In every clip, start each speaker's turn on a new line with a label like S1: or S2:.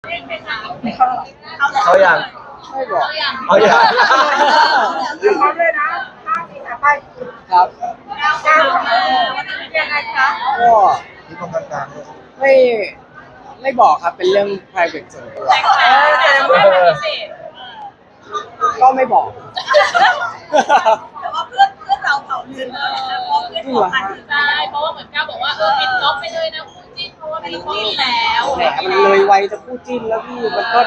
S1: เขาอย่าง
S2: ไม่บอก
S1: เขาอย่าง
S3: พร้อมเลยนะ5 4 3ไป
S2: ครับ
S3: ยังไงคะ
S2: ก็
S1: ที่ตรงกลางๆด้วย
S2: ไม่ไม่บอกครับเป็นเรื่อง private ส่วนตัวก็ไม่บอก
S3: แต่ว่าเพื่อนเราเผาลืมเพราะเพื่อนขอพันธุ์
S4: ใช่เพราะว่าเหมือนก้าวบอกว่าปิดจ็อบไปเลยนะคู่จิ้นเพราะว่ามีคู่จิ้นแล้ว
S2: แหมมันเลยวัยจะพูดจิ้นแล้วพี่มันก็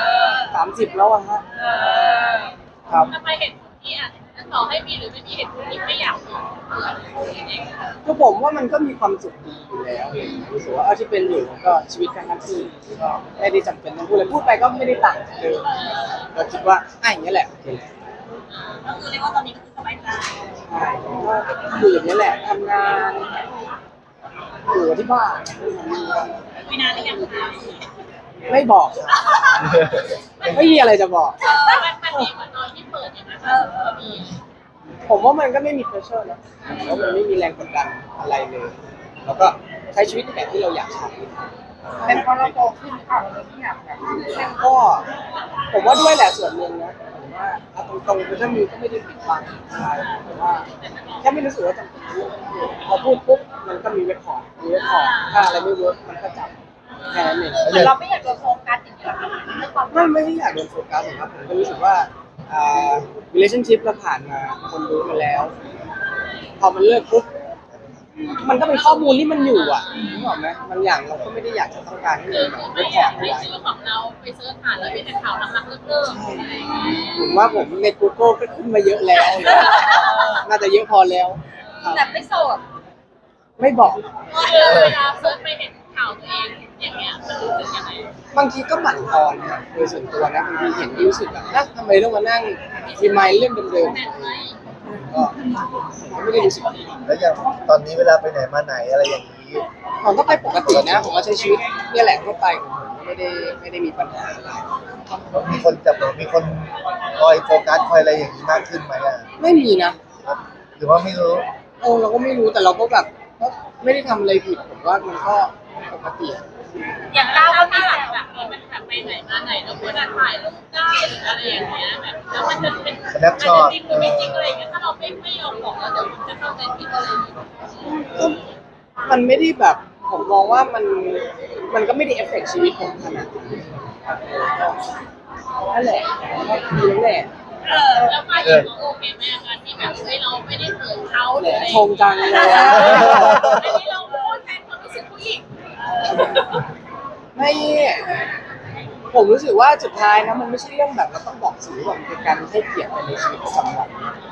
S2: 30แล้วอะฮะครับ
S4: ทำไมเห็นคู่ที่อ่ะต่อให้มีหรือไม่มีเห็นคู่ที่ไม่อยากมี
S2: คือผมว่ามันก็มีความสุขดีอยู่แล้วรู้สึกว่าที่เป็นอยู่มันก็ชีวิตการทำที่ก็ไม่ได้จำเป็นต้องพูดเลยพูดไปก็ไม่ได้ต่างจากเดิมเราคิดว่าอย่างนี้แหละโอเค
S3: ก็คือเรียกว่าตอนนี้ก็คือสบายใจ
S2: ใช่ก็อยู่อย่างนี้แหละทำงานอยู่ที่บ้าน
S3: คุยนานหรือยังคะ
S2: ไม่บอกไม่มีอะไรจะบอก
S4: มันดีเหมือนตอนที่เปิดอย่างนั้นก็มี
S2: ผมว่ามันก็ไม่มี pressure นะเพราะมันไม่มีแรงกดดันอะไรเลย แล้วก็ใช้ชีวิตแบบที่เราอยากใช้
S3: เป็นเพราะเราโตขึ้นหรือเปล่าเราไม่อยากแบบ
S2: ก็ผมว่าด้วยแหละส่วนหนึ่งนะผมว่าเอาตรงๆคือถ้ามีก็ไม่ได้ปิดบังอะไรแต่ว่าแค่ไม่รู้สึกว่าจำเป็นพอพูดปุ๊บมันก็มีเรคคอร์ดถ้าอะไรไม่เวิร์กมันก็จับแค่นั้นเอง
S3: เหมือนเราไม่อยากโดนโฟกัสอย่างเงี้ยไม่ความ
S2: ไม่ได้อยากโดนโฟกัสหรอกครับผมก็รู้สึกว่าrelationship เราผ่านมาคนรู้มาแล้ว พอมันเลิกปุ๊บมันก็เป็นข้อมูลที่มันอยู่อ่ะนึกออกไหมบางอย่างเราก็ไม่ได้อยากจะต้องการให้มันแบบเร
S4: ไม่
S2: คค
S4: อ
S2: อร์
S4: ยา
S2: ด
S4: ก
S2: เอา
S4: ให้
S2: ไว้
S4: ชื่อของเราไปเสิร์ชหาแล้วมีแต่ข่าวรักๆเลิกๆ
S2: ผมว่าผมใน Google ก็ขึ้นมาเยอะแล้ว น่าจะเยอะพอแล้วครับ
S3: แต่ไม่โสด
S2: ไม่บอก
S4: เวลาเสิร์ชไปเห็นข่าวตัวเองอย่างเงี้ยมันรู้สึกยังไง
S2: บางทีก็หมั่นทอนนะโดยส่วนตัวนะบางทีเห็นรู้สึกแบบนะทำไมต้องมานั่งรีมายเรื่องเดิม
S4: แม่นไหม
S2: ๆก็ไม่ได้รู้สึกดี
S1: แล้วอย่างตอนนี้เวลาไปไหนมาไหนอะไรอย่างนี้
S2: ผมก็ไปปกตินะผมก็ใช้ชีวิตเนี่ยแหละทั่วไปของผมไม่ได้มีปัญหาอะไร
S1: มีคนจับมีคนคอยโฟกัสคอยอะไรอย่างนี้มากขึ้นไหมอ่ะ
S2: ไม่มีนะ
S1: หรือว่าไม่รู้
S2: เราก็ไม่รู้แต่เราก็แบบก็ไม่ได้ทำอะไรผิดผมว่ามันก็ปกติ
S4: อย่างก้าวก็มีแบบนี้มันแบบไปไหนมาไหนแล้วควรจะถ่ายรูปได้หรืออะไรอย่างเงี้ยแบบแล้วมันจะเป็นจริงหรือไม่จริงอะไรอย่างเงี้ยถ้าเราไม่ยอมบอกแล้วเดี๋ยวมันจะเข้าใจผิดอะไรอย่างเงี้ย
S2: ก็มันไม่ได้แบบผมมองว่ามันก็ไม่ได้เอฟเฟกต์ชีวิตผมขนาดนั้นนั่นแหละก็คือนั่นแหละ
S4: แล้วฝ่ายหญิงก็โอเคแม่กันที่แบบเฮ้ยเราไม่ได้เขินเขาหรืออะไร
S2: ชงจังเลย
S4: อัน
S2: อะ
S4: นี้เราพูดแทนความรู้สึกผู้หญิง
S2: ไม่ผมรู้สึกว่าสุดท้ายนะมันไม่ใช่เรื่องแบบเราต้องบอกสื่อว่ามันเป็นการให้เกียรติกันในชีวิตประจำวัน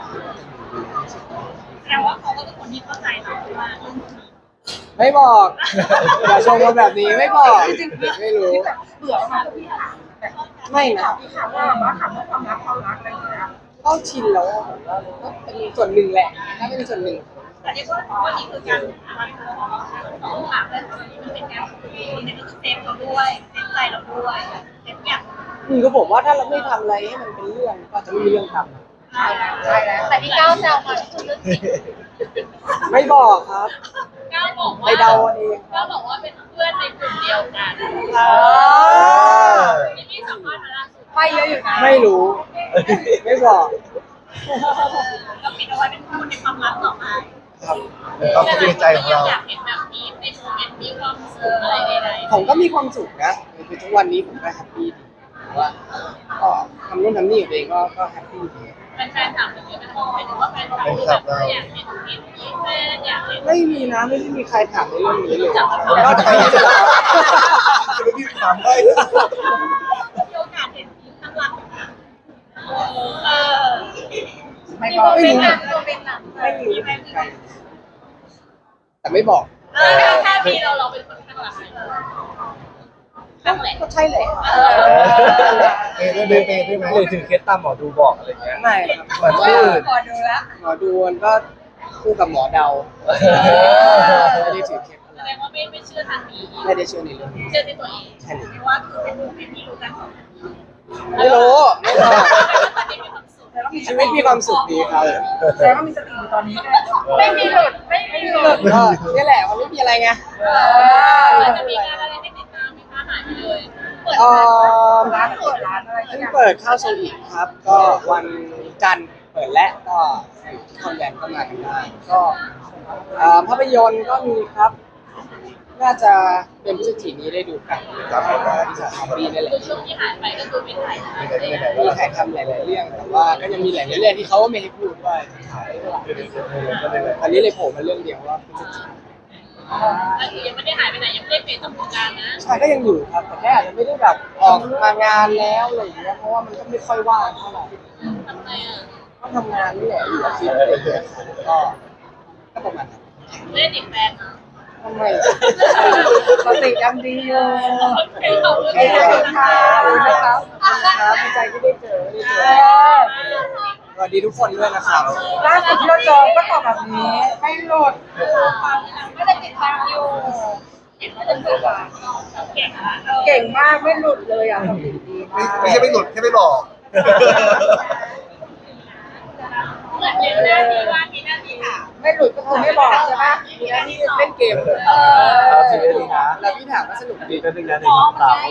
S3: แสดงว่าเขาก็เป็นคนที่เข้าใจเราว่า
S2: ไม่บอกอย่าชงมาแบบนี้ไม่บอกไม่รู้
S3: เบื่อมากพี่ถามแต่
S2: ไม่นะ
S3: พี่ถามว่าถามเรื่องความรักอะไรอย่างเงี้ย
S2: ก็ชินแล้วอะผมว่ามันก็เป็นส่วนหนึ่งแหละถ้าเป็นส่วนหนึ่ง
S3: แต่ที่พูดว่านี่คือการวางตัวของถามเรื่องนี้มันเป็นการคุยในที่เซฟเราด้วยเซฟใจเราด้วยเซฟอย่าง
S2: ก็ผมว่าถ้าเราไม่ทำอะไรให้มันเป็นเรื่องก็จะไม่มีเรื่องท
S3: ใช่แล้วแต่ที่ก้าวแซวมาคือเรื่องจริง
S2: ำไม่บอกครับ
S4: ก้าวบอก
S2: ไป
S4: ว่า
S2: เดาเอาเอง
S4: ก้าวบอกว่าเป็นเพื่อนในกลุ่มเดียวกันที่พี่สัมภาษณ์มาล่าสุด
S3: ไปเยอะอยู่นะ
S2: ไม่รู้ ไม่บอก
S3: ก็ปิดเอาไว้เป็นคนในความลับต่อมา
S2: ครับ
S1: ต้องคิดในใจของเรา
S4: อยากเห็นแบบนี้ในโมเมนต์มีความสุขอะไรใด
S2: ผมก็มีความสุขนะคือทุกวันนี้ผมก็แฮปปี้ดีแต่ว่าก็ทำนู่นทำนี่กับตัวเองก็แฮปปี้ดี
S4: ๆแฟนๆถามถึงนี้มันหมายถึงว่าแฟนคลับที่แบบอยากเห็นมีแฟนอยากเห็น
S2: ไม่มีนะไม่ได้มีใครถามในเรื่องนี้เลย
S4: จับ
S2: นอกจากพี่จะถาม
S1: จะไม่พี่ถามได้
S3: มีโอกาสเห็นทีมข้างหลังไม่บอก
S2: ไม่
S3: เป็น
S2: รู้
S3: หนังเป็นหนัง
S2: ไม่รู้เหมือนกันแต่ไม่บอก
S4: แค่มีเราเป็นคนข้างหลังข้างแหละ
S2: ก็ใช่แหละ
S1: เปย์ด้วยไหมหรือถึงเคสตามหมอดูบอกอะไรเงี้ย
S2: ไม่ครับ
S1: เหมือนที่อื่น
S3: พอดูแล้ว
S2: หมอดูมันก็คู่กับหมอเดาไม่ได้ถือเคล็ดอะ
S4: แส
S2: ไร
S4: ดงว่าไม่เชื่อทางนี้
S2: ไม่ได้เชื่อในเรื่องนี้
S4: เชื่อในตัวเอง
S2: ใช่เลย
S3: ว่าคือเป็นที่รู้กันของ
S2: ไม่รู้ไม่บอก
S4: ตอนนี้มีความสุข
S2: ชีวิตมีความสุขดีครับ
S3: แต่ว่ามีสติอยู่ตอนนี้ไม่มีหลุดไม่มีหลุด
S2: ก็นี่แหละมันไม่มีอะไรไง
S4: มันจะมีงานอะไรให้ติดตามไหมคะหายไปเลย
S2: เร้านเปิดร้านอะไรเพิ่งเปิดข้าวโซอีกครับ ก็วันจันทร์เปิดและก็อยู่ที่คอนแวนต์ก็มากันได้ก็ภาพยนตร์ก็มีครับ น่าจะเป็นพฤศจิกายนนี้ได้ดูกัน
S1: ครับผม
S2: ที่สถานที่นี่แหละ
S4: คือช่วงที่หายไปก็คือไม่ถ่ายนะ
S1: ไม่ได้ไม่ได้
S2: มีถ่ายทำหลายๆเรื่องแต่ว่าก็ยังมีหลายๆเรื่องที่เขาไม่ให้พูดว่าถ่ายอันนี้เลยโผล่มาเรื่องเดียวว่าพฤศจิกายน
S4: ก็คือยังไม่ได้หายไปไหนยังไม่ได้เปลี่ยนจากวงการนะ
S2: ใช่ก็ยังอยู่ครับแต่แค่อาจจะไม่ได้แบบออกมางานแล้วอะไรอย่างเงี้ยเพราะว่ามันก็ไม่ค่อยว่างเท่าไหร่
S4: ทำไงอ่ะ
S2: ก็ทำงานนี่แหละอยู่ออฟฟิศอะไรอย่างเงี้ยก็ประมาณนั้น
S4: เล่นอีกแฟนนะ
S2: ทำไมปกติยังดีอยู่
S4: โอเคขอบคุณ
S2: ขอบคุณ
S4: ค่ะ
S2: นะครับครับดีใจที่ได้เจอสวัสดีทุกคนด้วยนะครับ
S5: ล่าสุดที่เราเจอก็ตอบแบบนี้ไม่หลุด
S3: ไม่ได้ติดตามอยู่เห็นว่าจะเปิดร้านเก่งมาก
S5: เก่งมากไม่หลุดเลยอ่ะทำดีมาก
S1: ไม่ใช่ไม่หลุดแค่ไม่บอก
S4: เหมือนเล่นหน้าที่ว่ามีหน้าที่ถาม
S5: ไม่หลุดก็คือไม่บอกใช่ปะ
S2: มีหน้าที่เล่นเกมแล้วพี่ถามว่าสนุกดี
S1: ก็เป็นงานในต่าง